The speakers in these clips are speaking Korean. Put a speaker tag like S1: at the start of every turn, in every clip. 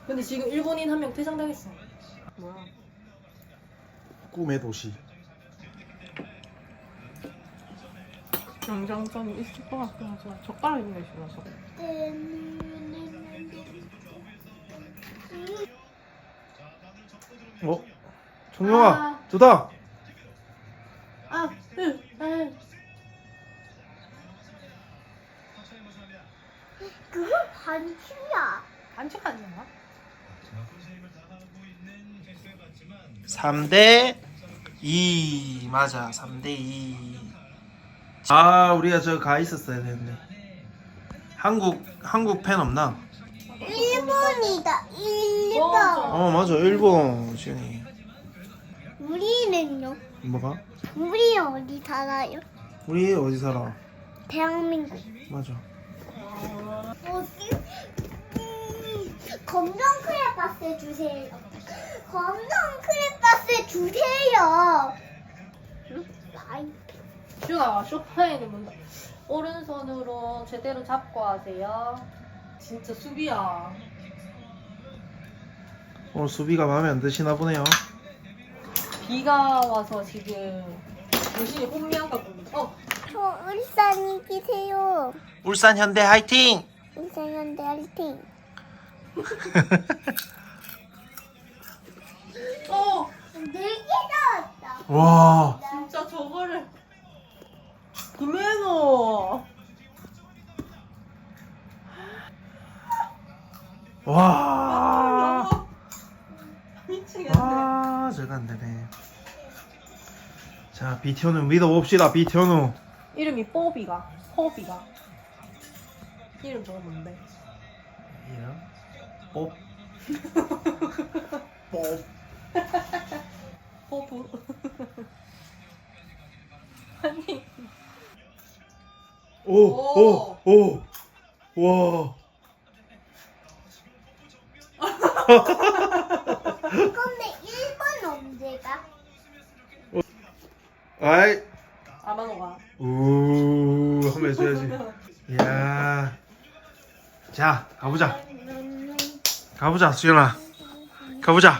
S1: 근데 지금 일본인 한 명 퇴장당했어. 뭐야?
S2: 꿈의 도시.
S1: 영장점이 있을 것 같긴 하지만 젓가락 있는 게 싫어서.
S2: 청룡아,
S1: 아.
S2: 좋다.
S1: 아,
S3: 그건 반칙이야.
S1: 반칙 아니야?
S2: 3대2 맞아. 3대2. 아, 우리가 저 가 있었어야 되는데. 한국 팬 없나?
S3: 일본이다. 일본.
S2: 맞아. 일본 지은이.
S3: 우리는요?
S2: 뭐가?
S3: 우리 어디 살아요?
S2: 우리 어디 살아?
S3: 대한민국.
S2: 맞아.
S3: 어디? 검정 크레파스 주세요. 검정 크레파스 주세요. 아이,
S1: 슈가 쇼파에는 뭔가 오른손으로 제대로 잡고 하세요. 진짜 수비야.
S2: 오늘 수비가 마음에 안 드시나 보네요.
S1: 비가 와서 지금 열심히 혼미한가 봅니다.
S3: 저 울산 이기세요.
S2: 울산 현대 화이팅!
S3: 울산 현대 화이팅. 네개 나왔다.
S2: 와.
S1: 진짜 저거를 김혜노.
S2: 와.
S1: 미치겠네.
S2: 아, 제가 안 되네. 자, 비티오누 믿어봅시다. 비티오누.
S1: 이름이 뽀비가. 이름 저거 뭔데?
S2: 이름? 뽀. 뽀.
S1: 뽀부. 아니.
S2: 오. 와.
S3: 근데 일본 언제가?
S2: 아이.
S1: 아마노가.
S2: 한번 해줘야지. 이야. 자, 가보자. 가보자, 수연아. 가보자.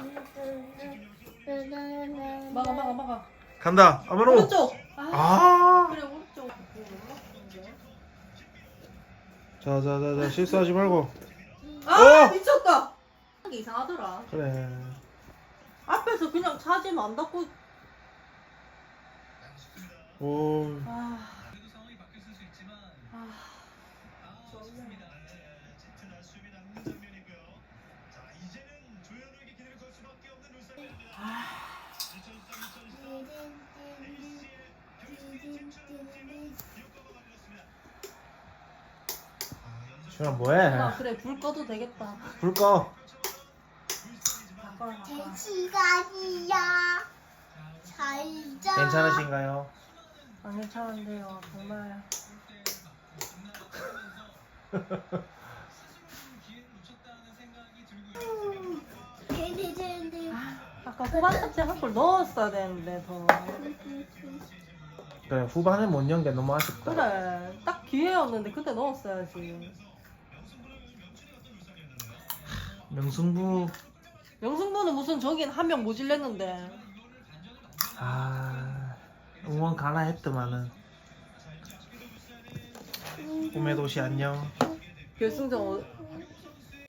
S1: 막아.
S2: 간다. 아마로.
S1: 오른쪽.
S2: 아.
S1: 그래 오른쪽.
S2: 자, 실수하지 말고.
S1: 아 미쳤다. 이게 이상하더라.
S2: 그래.
S1: 앞에서 그냥 차지면 안 닫고.
S2: 오.
S1: 아.
S2: 수연아 뭐해?
S1: 아 그래 불 꺼도 되겠다.
S2: 불 꺼.
S1: 바꿔라.
S3: 제 시간이야. 잘 자.
S2: 괜찮으신가요?
S1: 안 괜찮은데요 정말. 아까 후반 탑재 한 골 넣었어야 되는데 더.
S2: 그래, 후반에 못 연 게 너무 아쉽다.
S1: 그래 딱 기회였는데 그때 넣었어야지.
S2: 명승부.
S1: 영승부는 무슨 저긴 한 명 모질랬는데.
S2: 응원 가나 했더만은. 꿈의 도시 안녕.
S1: 결승전